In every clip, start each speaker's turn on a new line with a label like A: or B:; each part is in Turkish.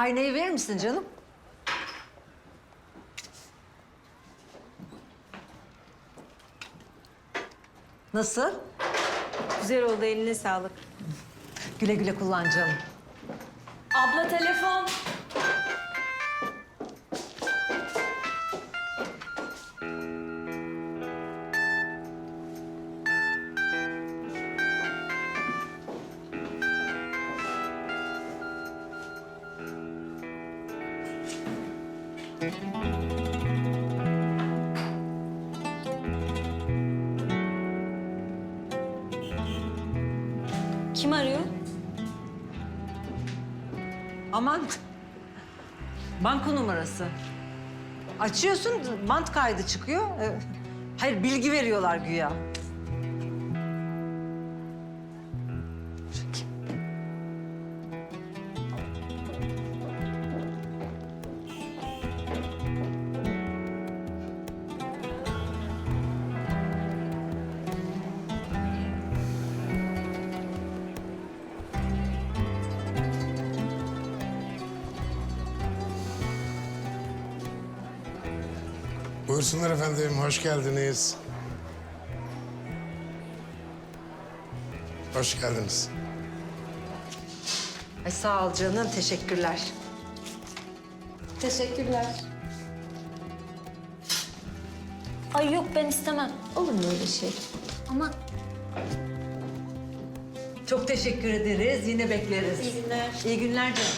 A: Aynayı verir misin canım? Nasıl?
B: Güzel oldu, eline sağlık.
A: Güle güle kullan canım.
B: Abla telefon. Kim arıyor?
A: Aman. Banka numarası. Açıyorsun, bant kaydı çıkıyor. Hayır, bilgi veriyorlar güya.
C: Buyursunlar efendim, hoş geldiniz. Hoş geldiniz.
A: Ay sağ ol canım, teşekkürler.
B: Teşekkürler. Ay yok, ben istemem. Olur mu öyle şey? Ama
A: Çok teşekkür ederiz, yine bekleriz.
B: iyi günler.
A: İyi günler canım.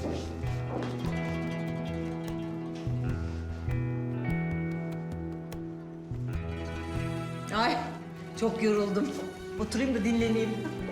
A: Ay, çok yoruldum. Oturayım da dinleneyim.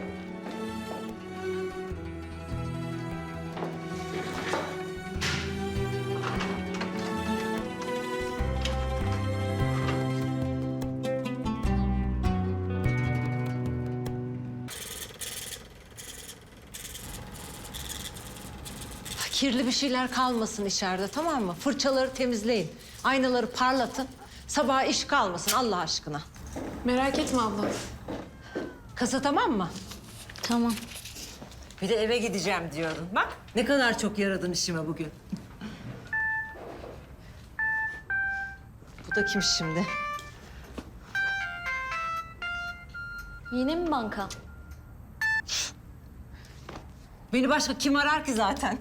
A: Kirli bir şeyler kalmasın içeride, tamam mı? Fırçaları temizleyin, aynaları parlatın. Sabaha iş kalmasın Allah aşkına.
D: Merak etme abla.
A: Kasa tamam mı?
B: Tamam.
A: Bir de eve gideceğim diyordun. Bak ne kadar çok yaradın işime bugün. Bu da kim şimdi?
B: Yine mi banka?
A: Beni başka kim arar ki zaten?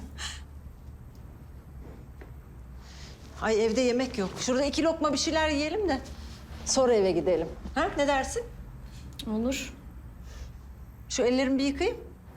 A: Ay evde yemek yok. Şurada 2 lokma bir şeyler yiyelim de sonra eve gidelim. Ha ne dersin?
B: Olur.
A: Şu ellerimi bir yıkayayım.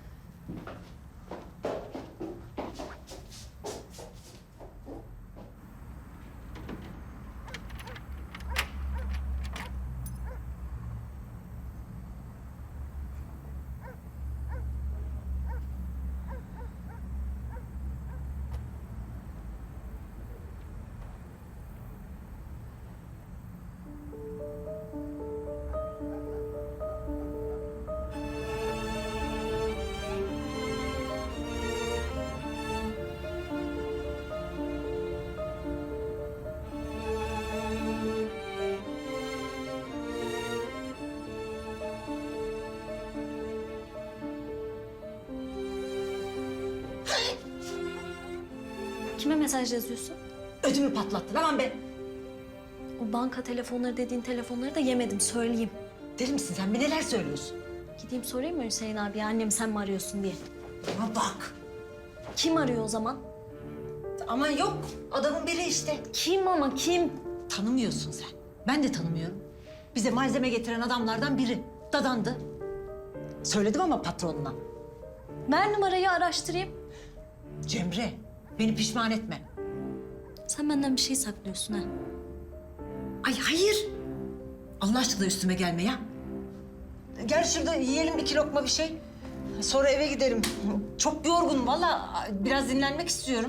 B: Kime mesaj yazıyorsun?
A: Ödümü patlattın aman be.
B: O banka telefonları dediğin telefonları da yemedim, söyleyeyim.
A: Deli misin sen? Bir neler söylüyorsun?
B: Gideyim sorayım mı Hüseyin abi, annem sen mi arıyorsun diye.
A: Ama bak.
B: Kim arıyor o zaman?
A: Aman yok. Adamın biri işte.
B: Kim ama kim?
A: Tanımıyorsun sen. Ben de tanımıyorum. Bize malzeme getiren adamlardan biri. Dadandı. Söyledim ama patronuna.
B: Ver numarayı, araştırayım.
A: Cemre, beni pişman etme.
B: Sen benden bir şey saklıyorsun ha.
A: Ay hayır. Allah aşkına üstüme gelme ya. Gel şurada yiyelim 2 lokma bir şey. Sonra eve gidelim. Çok yorgunum vallahi. Biraz dinlenmek istiyorum.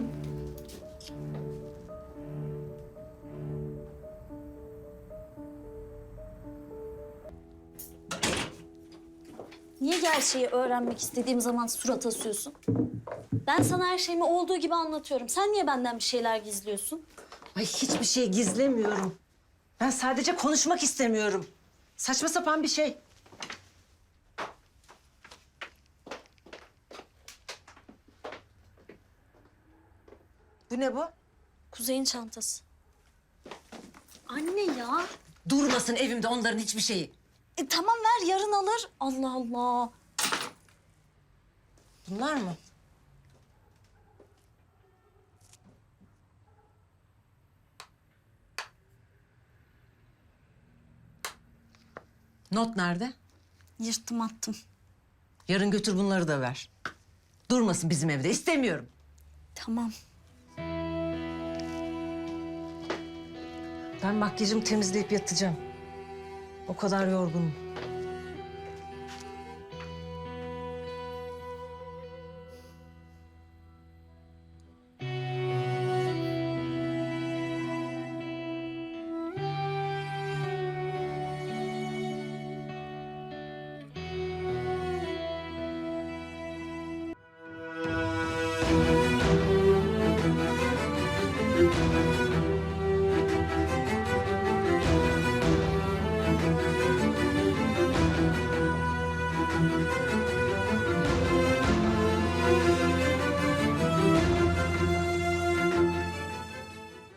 B: Niye gerçeği öğrenmek istediğim zaman surat asıyorsun? Ben sana her şeyimi olduğu gibi anlatıyorum. Sen niye benden bir şeyler gizliyorsun?
A: Ay hiçbir şey gizlemiyorum. Ben sadece konuşmak istemiyorum. Saçma sapan bir şey. Bu ne bu?
B: Kuzey'in çantası. Anne ya.
A: Durmasın evimde onların hiçbir şeyi.
B: Tamam ver yarın alır. Allah Allah.
A: Bunlar mı? Not nerede?
B: Yırttım attım.
A: Yarın götür bunları da ver. Durmasın bizim evde. İstemiyorum.
B: Tamam.
A: Ben makyajımı temizleyip yatacağım. O kadar yorgunum.